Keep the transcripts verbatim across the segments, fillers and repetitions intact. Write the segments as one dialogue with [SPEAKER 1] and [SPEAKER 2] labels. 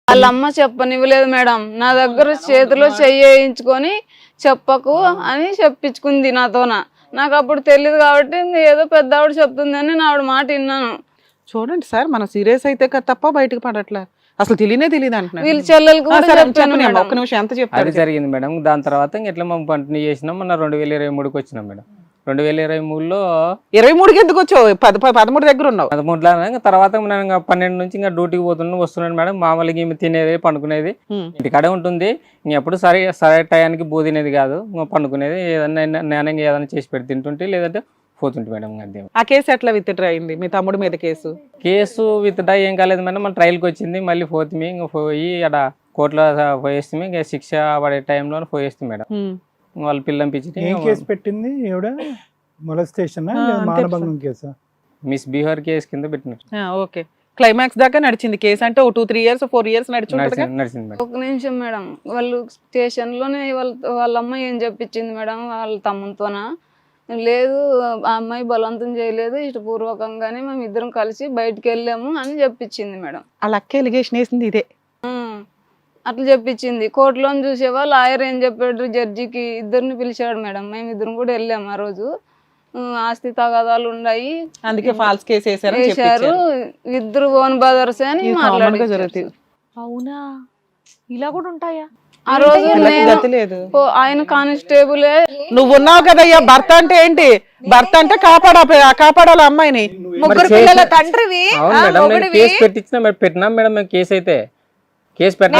[SPEAKER 1] వాళ్ళ అమ్మ చెప్పనివ్వలేదు మేడం. నా దగ్గర చేతిలో చెయ్యించుకొని చెప్పకు అని చెప్పించుకుంది నాతోన. నాకు అప్పుడు తెలియదు కాబట్టి ఏదో పెద్ద ఆవిడ చెప్తుందని నా ఆవిడ మాట విన్నాను.
[SPEAKER 2] చూడండి సార్, మనం సీరియస్ అయితే తప్ప బయటకు పడట్లే, అసలు తెలియనే తెలియదు అంటున్నారు.
[SPEAKER 1] వీళ్ళ చెల్లెలకు కూడా చెప్పాను మేడం.
[SPEAKER 2] ఒక్క నిమిషం ఎంత
[SPEAKER 3] అది
[SPEAKER 2] చెప్తారు?
[SPEAKER 3] జరిగింది మేడం. దాని తర్వాత ఇంక ఎట్లా మనం కంటిన్యూ చేసినాం. మన రెండు వేల ఇరవై మూడుకి వచ్చినాం మేడం. రెండు వేల ఇరవై మూడులో
[SPEAKER 2] ఇరవై మూడుకి ఎందుకు వచ్చావు? పద పదమూడు దగ్గర ఉన్నావు.
[SPEAKER 3] పదమూడులో ఇంకా తర్వాత నేను ఇంకా పన్నెండు నుంచి ఇంకా డ్యూటీకి పోతున్నాను వస్తున్నాను మేడం. మామూలుగా ఈమె తినేది పండుకునేది ఇంటికాడే ఉంటుంది. ఇంకెప్పుడు సరే సరే టయానికి బూ తినేది కాదు, ఇంకా పండుకునేది. ఏదన్నా నేను ఏదైనా చేసి పెట్టి తింటుంటే లేదంటే పోతుంటే మేడం. అదే
[SPEAKER 2] ఆ కేసు ఎట్లా విత్డ్రా అయింది మీ తమ్ముడి మీద? కేసు
[SPEAKER 3] కేసు విత్డ్రా ఏం కాలేదు మేడం. మళ్ళీ ట్రయల్కి వచ్చింది. మళ్ళీ పోతుంది ఇంకా పోయి అక్కడ కోర్టులో పోయేస్తే ఇంకా శిక్ష పడే టైంలో పోయేస్తే మేడం. వాళ్ళు పిల్లంపించి
[SPEAKER 4] ఏం కేసు పెట్టింది ఈవిడ? మొలస్టేషన్ మానభంగం కేసు?
[SPEAKER 3] మిస్ బిహార్ కేసు కింద పెట్టినారు.
[SPEAKER 2] ఓకే, క్లైమాక్స్ దాకా నడిచింది కేసు. అంటే ఓ two three years four years నడిచింది
[SPEAKER 3] నడిచింది మేడం.
[SPEAKER 1] ఒక నిమిషం మేడం, వాళ్ళు స్టేషన్ లోనే వాళ్ళ వాళ్ళ అమ్మాయి ఏం చెప్పించింది మేడం వాళ్ళ తమ్ముతోన, లేదు ఆ అమ్మాయి బలవంతం చేయలేదు, ఇష్టపూర్వకంగానే మేము ఇద్దరం కలిసి బయటకు వెళ్ళాము అని చెప్పించింది మేడం.
[SPEAKER 2] వాళ్ళ అక్క ఎలిగేషన్ వేసింది ఇదే.
[SPEAKER 1] అట్లా చెప్పించింది. కోర్టులో చూసేవా లాయర్ ఏం చెప్పాడు జడ్జికి, ఇద్దరిని పిలిచాడు మేడం. మేము ఇద్దరం కూడా వెళ్ళాము ఆ రోజు. ఆస్తి తగాదాలు ఉన్నాయి,
[SPEAKER 2] అందుకే ఫాల్స్ కేసు వేసారు
[SPEAKER 1] వేశారు, ఇద్దరు ఓన్ బ్రదర్స్ అని మాట్లాడారు.
[SPEAKER 5] అవునా, ఇలా కూడా ఉంటాయా?
[SPEAKER 1] ఆ రోజు
[SPEAKER 2] లేదు.
[SPEAKER 1] ఆయన కానిస్టేబులే.
[SPEAKER 2] నువ్వు ఉన్నావు కదయ్యా, భర్త అంటే ఏంటి? భర్త అంటే కాపాడా కాపాడాలి అమ్మాయిని.
[SPEAKER 5] ముగ్గురు పిల్లల తండ్రివి.
[SPEAKER 3] అవును మేడం, నేను కేసు పెట్టించిన పెట్టినాం మేడం. మేము కేసు అయితే కేసు పెట్టినా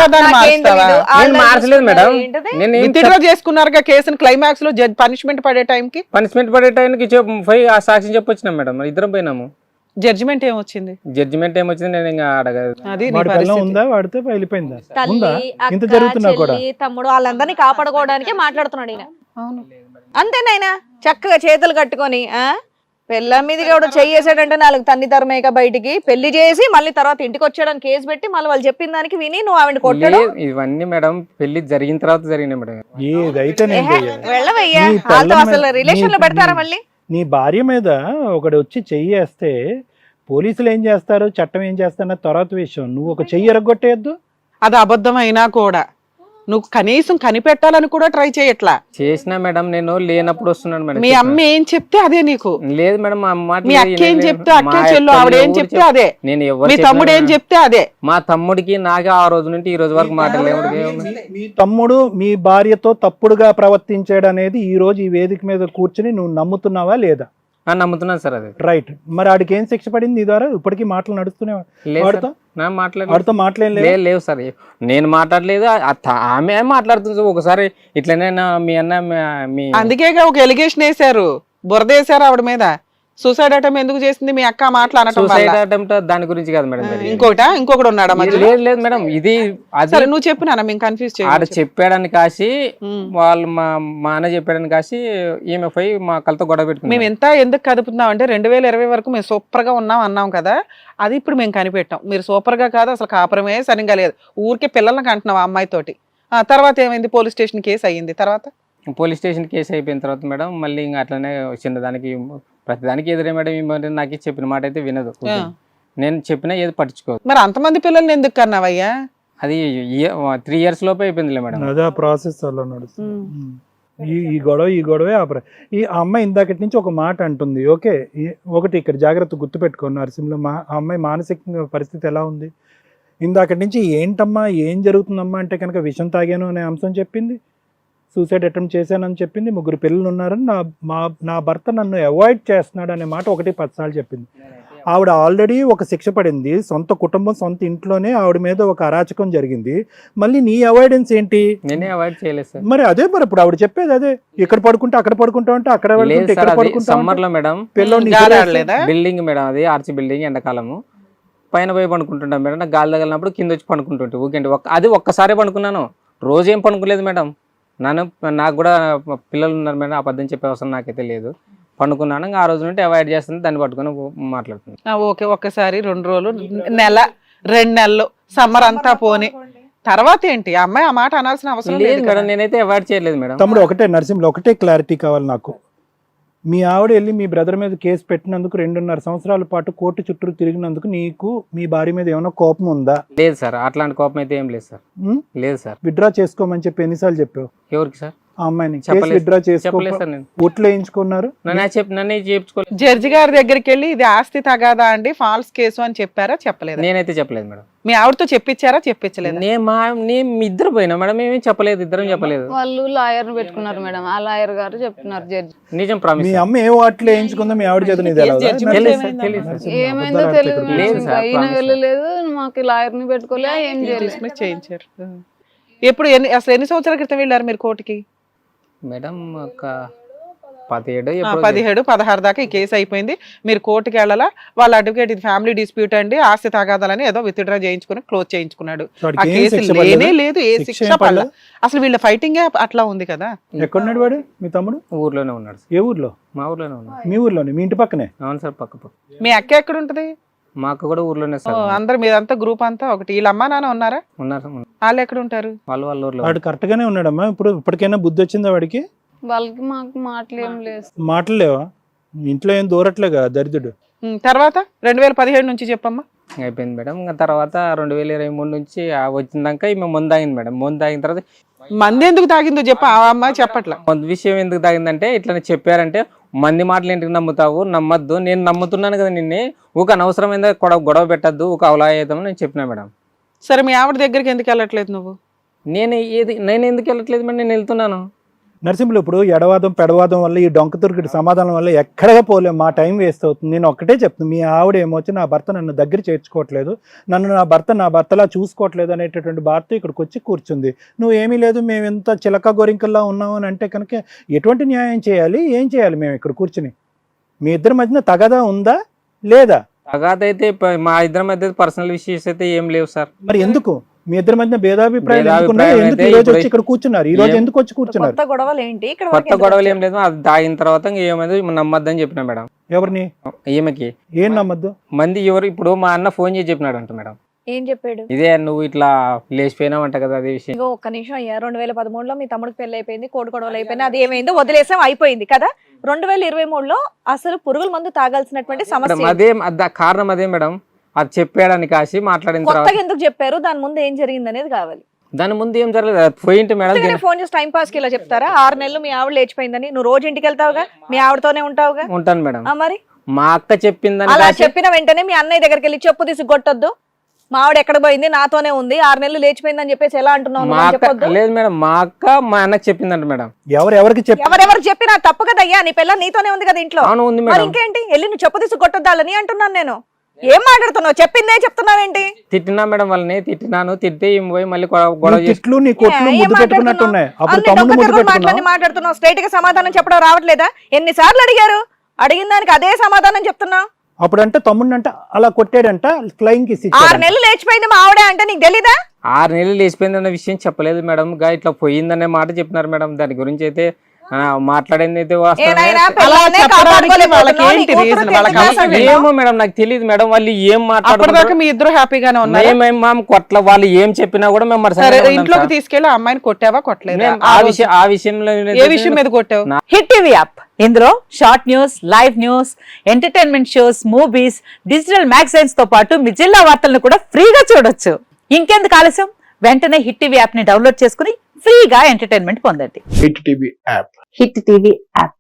[SPEAKER 3] మార్చలేదు మేడం.
[SPEAKER 2] నేను చేసుకున్నారుగా కేసుని. క్లైమాక్స్ లో జడ్జ్ పనిష్మెంట్ పడే టైంకి
[SPEAKER 3] పనిష్మెంట్ పడే టైంకి పోయి ఆ సాక్షి చెప్పొచ్చినాం మేడం. మరి ఇద్దరం పోయినాము.
[SPEAKER 2] జడ్జిమెంట్ ఏమొచ్చింది?
[SPEAKER 3] జడ్జిమెంట్ ఏమొచ్చింది నేను ఇంకా అడగదు.
[SPEAKER 2] అది
[SPEAKER 4] ఉందా వాడితే వెళ్ళిపోయిందా?
[SPEAKER 5] తల్లి, అక్క, చెల్లి, తమ్ముడు వాళ్ళందరినీ కాపాడుకోవడానికే మాట్లాడుతున్నాడు ఈయన.
[SPEAKER 2] అవును
[SPEAKER 5] అంతేనాయన చక్కగా చేతులు కట్టుకొని ఆ పెళ్ళ మీద కూడా చెయ్యేసాడంటే నాలుగు తన్ని తరమేక బయటికి పెళ్లి చేసి మళ్ళీ తర్వాత ఇంటికి వచ్చాడని కేసు పెట్టి మళ్ళీ వాళ్ళు చెప్పిన దానికి విని నువ్వు ఆవిడ కొట్టాడు.
[SPEAKER 3] ఇవన్నీ మేడం పెళ్లి జరిగిన తర్వాత జరిగినాయి మేడం.
[SPEAKER 4] ఏదైతే
[SPEAKER 5] వెళ్ళవయ్యా, వాళ్ళతో అసలు రిలేషన్ లో పెడతారా మళ్ళీ?
[SPEAKER 4] నీ భార్య మీద ఒకటి వచ్చి చెయ్యేస్తే పోలీసులు ఏం చేస్తారు, చట్టం ఏం చేస్తారు తర్వాత విషయం. నువ్వు ఒక చెయ్యి ఎరగొట్టేయద్దు.
[SPEAKER 2] అది అబద్ధం అయినా కూడా నువ్వు కనీసం కనిపెట్టాలని కూడా ట్రై చేయట్లా.
[SPEAKER 3] చేసినా మేడం, నేను లేనప్పుడు వస్తున్నాను మేడం.
[SPEAKER 2] మీ అమ్మ ఏం చెప్తే అదే నీకు.
[SPEAKER 3] లేదు మేడం, మా అమ్మ
[SPEAKER 2] మీ అక్క ఏం చెప్తే అక్క చెల్లు ఆవిడ ఏం చెప్తే అదే.
[SPEAKER 3] నేను ఎవరు
[SPEAKER 2] మీ తమ్ముడు ఏం చెప్తే అదే.
[SPEAKER 3] మా తమ్ముడికి నాకే ఆ రోజు నుండి ఈ రోజు వరకు మాట్లాడలేదు.
[SPEAKER 4] మీ తమ్ముడు మీ భార్యతో తప్పుడుగా ప్రవర్తించాడు అనేది ఈ రోజు ఈ వేదిక మీద కూర్చుని నువ్వు నమ్ముతున్నావా లేదా?
[SPEAKER 3] నమ్ముతున్నాను సార్. అది
[SPEAKER 4] రైట్. మరి ఆడికి ఏం శిక్ష పడింది నీ ద్వారా? ఇప్పటికీ మాటలు నడుస్తూనే వాడితో
[SPEAKER 3] మాట్లాడలేదు
[SPEAKER 4] మాట్లాడలేదు
[SPEAKER 3] లేవు సార్. నేను మాట్లాడలేదు, ఆమె మాట్లాడుతుంది. ఒకసారి ఇట్లనే మీ అన్న మీ
[SPEAKER 2] అందుకే ఒక ఎలిగేషన్ వేశారు, బురద వేశారు ఆవిడ మీద. సూసైడ్ అటెంప్ట్ ఎందుకు చేసింది మీ అక్క? మాట్లాడటం
[SPEAKER 3] సూసైడ్ అటెంప్ట్ దాని గురించి కాదు మేడం.
[SPEAKER 2] ఇంకోట ఇంకొకటి ఉన్నాడా?
[SPEAKER 3] లేదు లేదు మేడం, ఇది
[SPEAKER 2] అసలు నువ్వు చెప్పినా మేము కన్ఫ్యూజ్ చేయాలి.
[SPEAKER 3] ఆడ చెప్పాడని కాసి వాళ్ళు మా మా అన్న చెప్పాడని కాసి ఈమె పోయి మా కళ్ళతో గొడవ పెట్టుకున్నాం.
[SPEAKER 2] మేము ఎంత ఎందుకు కదుపుతున్నాం అంటే రెండు వేల ఇరవై వరకు మేము సూపర్ గా ఉన్నాం అన్నాం కదా, అది ఇప్పుడు మేము కనిపెట్టాం. మీరు సూపర్ గా కాదు, అసలు కాపురమే సరిగ్గా లేదు, ఊరికే పిల్లలకి అంటున్నాం ఆ అమ్మాయితోటి. ఆ తర్వాత ఏమైంది? పోలీస్ స్టేషన్ కేసు అయ్యింది. తర్వాత
[SPEAKER 3] పోలీస్ స్టేషన్ కేసు అయిపోయిన తర్వాత మేడం మళ్ళీ ఇంకా అట్లనే చిన్నదానికి ప్రతిదానికి ఎదురే మేడం. ఈ నాకు చెప్పిన మాట అయితే వినదు. నేను చెప్పినా ఏది పట్టించుకోదు.
[SPEAKER 2] మరి అంతమంది పిల్లల్ని ఎందుకు కన్నావయ్యా?
[SPEAKER 3] అది త్రీ ఇయర్స్ లోపే అయిపోయిందిలే మేడం.
[SPEAKER 4] అదే ప్రాసెస్ అలా నడుస్తుంది. ఈ ఈ గొడవ ఈ గొడవే ఆ ఈ అమ్మాయి ఇందాకటి నుంచి ఒక మాట అంటుంది. ఓకే, ఒకటి ఇక్కడ జాగ్రత్త గుర్తుపెట్టుకో నరసింహలో, మా అమ్మాయి మానసిక పరిస్థితి ఎలా ఉంది? ఇందాకటి నుంచి ఏంటమ్మా ఏం జరుగుతుందమ్మా అంటే కనుక విషం తాగాను అనే అంశం చెప్పింది, సూసైడ్ అటెంప్ట్ చేశానని చెప్పింది, ముగ్గురు పిల్లలు ఉన్నారని, నా మా నా భర్త నన్ను అవాయిడ్ చేస్తున్నాడు అనే మాట ఒకటి పదిసార్లు చెప్పింది. ఆవిడ ఆల్రెడీ ఒక శిక్ష పడింది, సొంత కుటుంబం సొంత ఇంట్లోనే ఆవిడ మీద ఒక అరాచకం జరిగింది. మళ్ళీ నీ అవాయిడెన్స్ ఏంటి?
[SPEAKER 3] నేనే అవాయిడ్ చేయలేదు సార్.
[SPEAKER 4] మరి అదే మరి ఇప్పుడు ఆవిడ చెప్పేది అదే, ఇక్కడ పడుకుంటే అక్కడ పడుకుంటా ఉంటే అక్కడ
[SPEAKER 3] సమ్మర్ లో మేడం బిల్డింగ్ మేడం, అది ఆర్చి బిల్డింగ్, ఎండాకాలము పైన పోయి పండుకుంటుంటాం మేడం. నాకు గాలి తగిలినప్పుడు కింద వచ్చి పండుకుంటుంటే ఊకేంటి అది ఒక్కసారే పండుకున్నాను, రోజేం పండుకోలేదు మేడం. నన్ను నాకు కూడా పిల్లలు ఉన్నారు మేడం, అబద్ధం చెప్పే అవసరం నాకైతే లేదు. పండుకున్నాను, ఆ రోజు నుండి అవాయిడ్ చేస్తుంది, దాన్ని పట్టుకుని మాట్లాడుతున్నాను.
[SPEAKER 2] ఓకే, ఒక్కసారి రెండు రోజులు, నెల, రెండు నెలలు, సమ్మర్ అంతా పోని తర్వాత ఏంటి? ఆ అమ్మాయి ఆ మాట అనాల్సిన అవసరం లేదు
[SPEAKER 3] మేడం. నేనైతే అవాయిడ్ చేయలేదు మేడం.
[SPEAKER 4] తమ్ముడు ఒకటే నరసింహలో ఒకటే క్లారిటీ కావాలి నాకు. మీ ఆవిడ వెళ్ళి మీ బ్రదర్ మీద కేసు పెట్టినందుకు రెండున్నర సంవత్సరాల పాటు కోర్టు చుట్టూ తిరిగినందుకు నీకు మీ భార్య మీద ఏమైనా కోపం ఉందా?
[SPEAKER 3] లేదు సార్, అట్లాంటి కోపం అయితే ఏం లేదు సార్.
[SPEAKER 4] ఉం?
[SPEAKER 3] లేదు సార్.
[SPEAKER 4] విత్డ్రా చేసుకోమని చెప్పి ఎన్నిసార్లు చెప్పావు
[SPEAKER 3] ఎవరికి సార్?
[SPEAKER 4] ఆ అమ్మాయిని? కేసు
[SPEAKER 3] చెప్పలేదు.
[SPEAKER 4] విత్డ్రా చేసుకో
[SPEAKER 3] చెప్పలేదు సార్ నేను.
[SPEAKER 4] ఓట్లు వేయించుకున్నారు.
[SPEAKER 3] నన్ను చెప్పి నన్నే చేయించుకోలేదు.
[SPEAKER 2] జడ్జి గారి దగ్గరికి వెళ్ళి ఇది ఆస్తి తగాదా అండి, ఫాల్స్ కేసు అని చెప్పారా చెప్పలేదు?
[SPEAKER 3] నేనైతే చెప్పలేదు మేడం.
[SPEAKER 2] మీ ఆవిడతో చెప్పించారా చెప్పించలేదు?
[SPEAKER 3] నేను మా నేను మీ ఇద్దరు పోయినా మేడం, ఏమేమి చెప్పలేదు, ఇద్దరం చెప్పలేదు.
[SPEAKER 1] వాళ్ళు లాయర్ పెట్టుకున్నారు మేడం, ఆ లాయర్ గారు చెప్తున్నారు జడ్జి.
[SPEAKER 3] నిజం ప్రామిస్.
[SPEAKER 4] మీ అమ్మ ఏ ఓట్లు వేయించుకుందో మీ ఆవిడ చేత నీది ఎలా ఉందా?
[SPEAKER 3] తెలియదు సార్, తెలియదు సార్.
[SPEAKER 1] ఏమైందో తెలియదు మేడం.
[SPEAKER 3] లేదు
[SPEAKER 1] ఇంకా
[SPEAKER 3] సార్,
[SPEAKER 1] ఈయన
[SPEAKER 3] ప్రామిస్
[SPEAKER 1] వెళ్ళలేదు, మాకు లాయర్ ని పెట్టుకోలే, ఏం చేయలేదు.
[SPEAKER 2] డిస్మిస్ చేయించారు. ఎప్పుడు ఎన్ని అసలు ఎన్ని సంవత్సరాల క్రితం వెళ్ళారు మీరు కోర్టుకి?
[SPEAKER 3] మేడం ఒక పదిహేడు
[SPEAKER 2] ఆ,
[SPEAKER 3] ఎప్పుడో
[SPEAKER 2] పదిహేడు పదహారు దాకా ఈ కేసు అయిపోయింది. మీరు కోర్టుకి వెళ్ళాలా? వాళ్ళ అడ్వకేట్ ఇది ఫ్యామిలీ డిస్ప్యూట్ అండి, ఆస్తి తగాదాలని ఏదో విత్డ్రా చేయించుకుని క్లోజ్ చేయించుకున్నాడు.
[SPEAKER 4] వాడికి
[SPEAKER 2] ఆ
[SPEAKER 4] ఏం
[SPEAKER 2] కేసు
[SPEAKER 4] శిక్ష
[SPEAKER 2] లేనే
[SPEAKER 4] పడలేదా?
[SPEAKER 2] లేదు, ఏ
[SPEAKER 4] శిక్ష
[SPEAKER 2] శిక్ష
[SPEAKER 4] ఏం
[SPEAKER 2] పడలేదు.
[SPEAKER 4] పడలేదా?
[SPEAKER 2] అసలు వీళ్ళ ఫైటింగ్ అట్లా ఉంది కదా.
[SPEAKER 4] ఎక్కడున్నాడు వాడు మీ తమ్ముడు?
[SPEAKER 3] ఊర్లోనే ఉన్నాడు సార్.
[SPEAKER 4] ఏ ఊర్లో?
[SPEAKER 3] మా ఊర్లోనే ఉన్నాడు.
[SPEAKER 4] మీ ఊర్లోనే, మీ ఇంటి పక్కనే?
[SPEAKER 3] అవును సార్, పక్క పక్క.
[SPEAKER 2] మీ అక్క ఎక్కడ ఉంటది?
[SPEAKER 3] మా అక్క కూడా ఊర్లోనే
[SPEAKER 2] ఓ,
[SPEAKER 3] సార్.
[SPEAKER 2] అందరు మీరంతా గ్రూప్ అంతా ఒకటి. వీళ్ళ అమ్మా నాన్న ఉన్నారా?
[SPEAKER 3] ఉన్నారు సార్, ఉన్నారు.
[SPEAKER 2] వాళ్ళు ఎక్కడ ఉంటారు?
[SPEAKER 3] వాళ్ళు వాళ్ళ ఊర్లో.
[SPEAKER 4] వాడు కరెక్ట్ గానే ఉన్నాడమ్మా. ఇప్పుడు ఇప్పటికైనా బుద్ధి వచ్చిందా వాడికి?
[SPEAKER 1] వాళ్ళకి మాకు మాటలు ఏం లేదు.
[SPEAKER 4] మాటలు లేవా? ఇంట్లో ఏం దూరట్లేగా దరిద్రుడు.
[SPEAKER 2] ఉమ్, తర్వాత రెండు వేల పదిహేడు నుంచి చెప్పమ్మా.
[SPEAKER 3] అయిపోయింది మేడం. ఇంకా తర్వాత రెండు వేల ఇరవై మూడు నుంచి ఆ వచ్చిందాక ఈమె ముందు తాగింది మేడం. ముందు తాగిన తర్వాత
[SPEAKER 2] మంది ఎందుకు తాగిందో చెప్ప, ఆ అమ్మాయి చెప్పట్లా.
[SPEAKER 3] కొంత విషయం ఎందుకు తాగిందంటే ఇట్లా చెప్పారంటే మంది మాటలు ఏంటికి నమ్ముతావు, నమ్మద్దు, నేను నమ్ముతున్నాను కదా నిన్నే, ఒక అనవసరమైన గొడవ గొడవ పెట్టద్దు, ఒక అవలా అవుతామని నేను చెప్పినా మేడం.
[SPEAKER 2] సరే మీ ఆవిడ దగ్గరికి ఎందుకు వెళ్ళట్లేదు నువ్వు?
[SPEAKER 3] నేను ఏది నేను ఎందుకు వెళ్ళట్లేదు మేడం, నేను వెళ్తున్నాను.
[SPEAKER 4] నరసింహులు, ఇప్పుడు ఎడవాదం పెడవాదం వల్ల ఈ డొంక తురుకుడి సమాధానం వల్ల ఎక్కడగా పోలేం, మా టైం వేస్ట్ అవుతుంది. నేను ఒక్కటే చెప్తున్నాను, మీ ఆవిడ ఏమొచ్చి నా భర్త నన్ను దగ్గర చేర్చుకోవట్లేదు, నన్ను నా భర్త నా భర్తలా చూసుకోవట్లేదు అనేటటువంటి భారత ఇక్కడికి వచ్చి కూర్చుంది. నువ్వు ఏమీ లేదు, మేము ఎంత చిలక గోరింకల్లా ఉన్నావు అని అంటే కనుక ఎటువంటి న్యాయం చేయాలి, ఏం చేయాలి? మేము ఇక్కడ కూర్చుని మీ ఇద్దరి మధ్యన తగదా ఉందా లేదా?
[SPEAKER 3] తగాదైతే ప- మా ఇద్దరి మధ్య పర్సనల్ విషయస్ అయితే ఏం లేవు సార్.
[SPEAKER 4] మరి ఎందుకు మీ ఇద్దరి మధ్య భేదాభిప్రాయాలు ఎందుకున్నాయి?
[SPEAKER 3] భేదాభిప్రాయాలు
[SPEAKER 4] ఎందుకు
[SPEAKER 3] అయితే
[SPEAKER 4] ఈ రోజు
[SPEAKER 3] ఇప్పుడు
[SPEAKER 4] వచ్చి ఇక్కడ కూర్చున్నారు? ఈ రోజు
[SPEAKER 3] ఏం-
[SPEAKER 4] ఎందుకు వచ్చి కూర్చున్నారు?
[SPEAKER 5] కొత్త గొడవలు ఏంటి ఇక్కడ
[SPEAKER 3] కొత్త
[SPEAKER 5] వరకు ఎందుకు
[SPEAKER 3] గొడవలు ఏం
[SPEAKER 5] వచ్చారు?
[SPEAKER 3] లేదు, అది తాగిన తర్వాత ఇంకా ఏమైంది నమ్మద్దని చెప్పిన మేడం
[SPEAKER 4] ఎవరిని?
[SPEAKER 3] ఈమెకి.
[SPEAKER 4] ఏం నమ్మద్దు?
[SPEAKER 3] మంది ఎవరు ఇప్పుడు మా అన్న ఫోన్ చేసి చెప్పినాడు అంట మేడం,
[SPEAKER 5] ఏం చెప్పాడు?
[SPEAKER 3] ఇదే నువ్వు ఇట్లా లేచిపోయినావు అంట కదా, అదే విషయం.
[SPEAKER 5] ఇంకో ఒక్క నిమిషం అయ్యా, రెండు వేల పదమూడులో మీ తమ్ముడికి పెళ్లి అయిపోయింది, కోడి గొడవలు అయిపోయింది, అది ఏమైందో వదిలేసాం, అయిపోయింది కదా. రెండు వేల ఇరవై మూడులో అసలు పురుగుల మందు తాగాల్సినటువంటి సమస్య
[SPEAKER 3] మేడం అదే అద- కారణం అదే మేడం, అది చెప్పాడని కాసి మాట్లాడిన తర్వాత
[SPEAKER 5] కొత్తగా ఎందుకు చెప్పారు? దాని ముందు ఏం జరిగింది అనేది కావాలి.
[SPEAKER 3] దాని ముందు ఏం జరగలేదు, అది పోయింటి మేడం.
[SPEAKER 5] కొత్తగానే ఫోన్ చేసి టైం పాస్ కి ఇలా చెప్తారా? ఆరు నెలలు మీ ఆవిడ లేచిపోయిందని, నువ్వు రోజు ఇంటికి వెళ్తావుగా, మీ ఆవిడతోనే ఉంటావుగా.
[SPEAKER 3] ఉంటాను మేడం.
[SPEAKER 5] ఆ మరి
[SPEAKER 3] మా అక్క చెప్పిందని
[SPEAKER 5] అలా
[SPEAKER 3] కాసి
[SPEAKER 5] చెప్పిన వెంటనే మీ అన్నయ్య దగ్గరికి వెళ్ళి చెప్పు తీసి కొట్టొద్దు, మా ఆవిడ ఎక్కడ పోయింది, నాతోనే ఉంది, ఆరు నెలలు లేచిపోయిందని చెప్పేసి ఎలా అంటున్నావు
[SPEAKER 3] మా
[SPEAKER 5] నువ్వు అని
[SPEAKER 3] అక్క
[SPEAKER 5] చెప్పొద్దు.
[SPEAKER 3] లేదు మేడం, మా అక్క మా అన్నకి చెప్పిందంట మేడం.
[SPEAKER 4] ఎవరు ఎవరికి చెప్పి?
[SPEAKER 5] ఎవరెవరు చెప్పినా తప్పు కదా అయ్యా, నీ పిల్ల నీతోనే ఉంది కదా ఇంట్లో.
[SPEAKER 3] అవును ఉంది
[SPEAKER 5] మరి
[SPEAKER 3] మేడం.
[SPEAKER 5] ఇంకేంటి, వెళ్ళి నువ్వు చెప్పు తీసి కొట్టొద్దాలని అంటున్నాను నేను. ఏం మాట్లాడుతున్నావు? చెప్పిందే చెప్తున్నావేంటి?
[SPEAKER 3] తిట్టినా మేడం వాళ్ళని, తిట్టినాను, తిట్టి ఈమె పోయి మళ్ళీ గొడవ గొడవ
[SPEAKER 4] నీ
[SPEAKER 3] చేసి
[SPEAKER 4] తిట్లు నీ కొట్లు
[SPEAKER 5] ఏం
[SPEAKER 4] ముద్దు పెట్టుకున్నట్టున్నాయి. అప్పుడు
[SPEAKER 5] అన్ని
[SPEAKER 4] తమ్ముడు
[SPEAKER 5] డొంక
[SPEAKER 4] ముద్దు
[SPEAKER 5] తిరుగుడు మాటలన్నీ
[SPEAKER 4] పెట్టుకున్నావు.
[SPEAKER 5] మాట్లాడుతున్నావు, స్ట్రైట్ గా సమాధానం చెప్పడం రావట్లేదా? ఎన్నిసార్లు అడిగారు, అడిగిన దానికి అదే సమాధానం చెప్తున్నావు.
[SPEAKER 4] అప్పుడంటే తమ్ముడిని అంటే అలా కొట్టాడంట, ఫ్లయింగ్ కిస్
[SPEAKER 5] ఆరు
[SPEAKER 4] ఇచ్చాడు.
[SPEAKER 5] నెలలు లేచిపోయింది మా ఆవిడ అంటే నీకు తెలీదా?
[SPEAKER 3] ఆరు నెలలు లేచిపోయిందన్న విషయం చెప్పలేదు మేడం, గా ఇట్లా పోయిందనే మాట చెప్పినారు మేడం. దాని గురించి అయితే ఆ, మాట్లాడింది అయితే వాస్తవమే.
[SPEAKER 5] ఏనాయనా
[SPEAKER 2] అలా
[SPEAKER 5] పిల్లల్నే
[SPEAKER 2] చెప్పడానికి
[SPEAKER 5] కాపాడుకోలేకపోతున్నావు,
[SPEAKER 2] వాళ్ళకి
[SPEAKER 5] నీ
[SPEAKER 2] ఏంటి
[SPEAKER 5] కూతురు
[SPEAKER 2] reason?
[SPEAKER 5] tenth
[SPEAKER 2] వాళ్ళకి
[SPEAKER 5] class
[SPEAKER 2] అవసరం
[SPEAKER 5] చదివిందా?
[SPEAKER 3] ఏమో మేడం నాకు తెలియదు మేడం, వాళ్ళు ఏం
[SPEAKER 2] అప్పటిదాకా
[SPEAKER 3] మాట్లాడుతున్నారు.
[SPEAKER 2] మీ ఇద్దరు హ్యాపీగానే ఉన్నారు.
[SPEAKER 3] మేమేం మామ కొట్ల వాళ్ళు ఏం చెప్పినా కూడా మేము మరి
[SPEAKER 2] సరే
[SPEAKER 3] సరిగ్గా ఉన్నాం
[SPEAKER 2] ఇంట్లోకి
[SPEAKER 3] సార్.
[SPEAKER 2] తీసుకెళ్లి ఆ అమ్మాయిని కొట్టావా కొట్టలేదా?
[SPEAKER 3] నేను
[SPEAKER 2] ఆ
[SPEAKER 3] ఆ
[SPEAKER 2] రోజు
[SPEAKER 3] విషయం ఆ విషయంలో
[SPEAKER 2] ఏ విషయం మీద కొట్టావు?
[SPEAKER 6] హిట్ టీవీ యాప్, ఇందులో short news, live news, entertainment shows, movies, digital magazines తో పాటు మీ జిల్లా వార్తలను కూడా ఫ్రీగా చూడొచ్చు. ఇంకెందుకు ఆలస్యం, వెంటనే హిట్ టీవీ యాప్ ని డౌన్లోడ్ చేసుకుని ఫ్రీగా ఎంటర్టైన్మెంట్ పొందండి.
[SPEAKER 7] Hit TV app
[SPEAKER 6] hit TV app.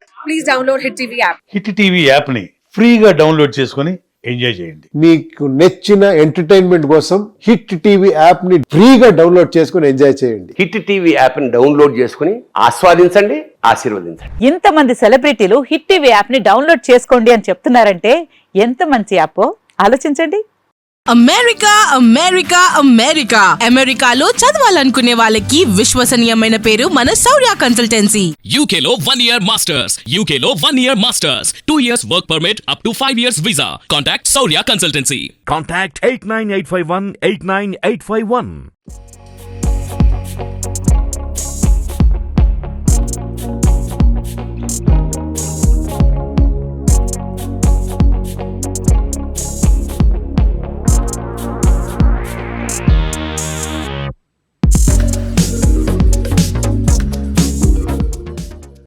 [SPEAKER 7] Hit TV app ని ఫ్రీగా డౌన్లోడ్ చేసుకొని ఎంజాయ్ చేయండి.
[SPEAKER 8] మీకు నచ్చిన ఎంటర్టైన్మెంట్ కోసం హిట్ టీవీ యాప్ ని ఫ్రీగా డౌన్లోడ్ చేసుకుని ఎంజాయ్ చేయండి.
[SPEAKER 9] హిట్ టీవీ యాప్ని డౌన్లోడ్ చేసుకుని ఆస్వాదించండి, ఆశీర్వదించండి.
[SPEAKER 6] ఇంతమంది సెలబ్రిటీలు హిట్ టీవీ యాప్ ని డౌన్లోడ్ చేసుకోండి అని చెప్తున్నారంటే ఎంత మంచి యాప్ ఆలోచించండి.
[SPEAKER 10] అమెరికా అమెరికా అమెరికా అమెరికాలో చదవాలనుకునే వాళ్ళకి విశ్వసనీయమైన పేరు మన శౌర్య కన్సల్టెన్సీ.
[SPEAKER 11] U K లో one year masters, U K లో one year masters, two years work permit up to five years visa. Contact Saurya Consultancy.
[SPEAKER 12] Contact eight nine eight five one eight nine eight five one.